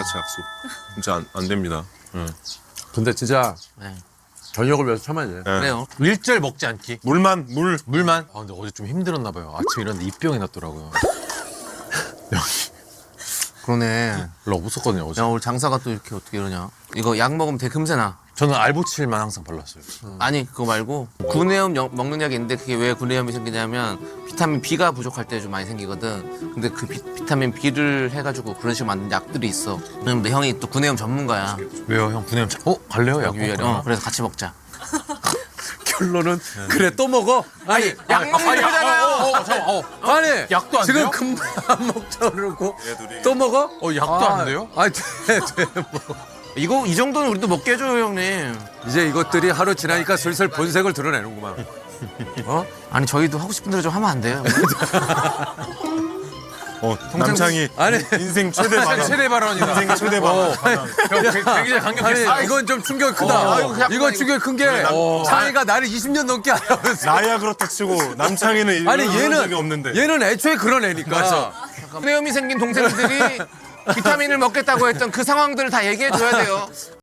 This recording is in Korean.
같이 약속. 진짜 안 됩니다. 근데 진짜 네. 저녁을 위해서 참아야 돼. 네. 그래요. 일절 먹지 않기. 물만 물. 물만. 아 근데 어제 좀 힘들었나 봐요. 아침에 일어났는데 입병이 났더라고요. 그러네. 별로 없었거든요 어제. 야, 오늘 장사가 또 이렇게 어떻게 이러냐. 이거 약 먹으면 되게 금세 나. 저는 알보칠만 항상 발랐어요. 아니 그거 말고 구내염 먹는 약이 있는데 그게 왜 구내염이 생기냐면 비타민 B가 부족할 때 좀 많이 생기거든. 근데 그 비타민 B를 해가지고 그런 식으로 만든 약들이 있어. 근데 형이 또 구내염 전문가야. 왜요 형 구내염? 갈래요 약? 위에 그래서 같이 먹자. 결론은 그래 또 먹어. 아니 약 먹는 거잖아요. 아니 약도 안 지금 돼요? 금방 안 먹자 그러고 얘들이. 또 먹어? 약도 안 돼요? 아니 돼. 뭐. 이거 이 정도는 우리도 먹게 해줘요 형님. 이제 이것들이 하루 지나니까 슬슬 본색을 드러내는구만. 어? 아니 저희도 하고 싶은 대로 좀 하면 안 돼요. 남창이 아니 인생 최대 반항. 최대 발언이다. 인생 최대 반항. 굉장히 강력했어. 아니 이건 좀 충격이 크다. 아이고, 그냥 이건 충격이 큰 게 창이가 나를 20년 넘게 알아면서. 나야 그렇다 치고 남창이는 아니 이런 적이 없는데. 얘는 애초에 그런 애니까. 구내염이 생긴 동생들이 비타민을 먹겠다고 했던 그 상황들을 다 얘기해 줘야 돼요.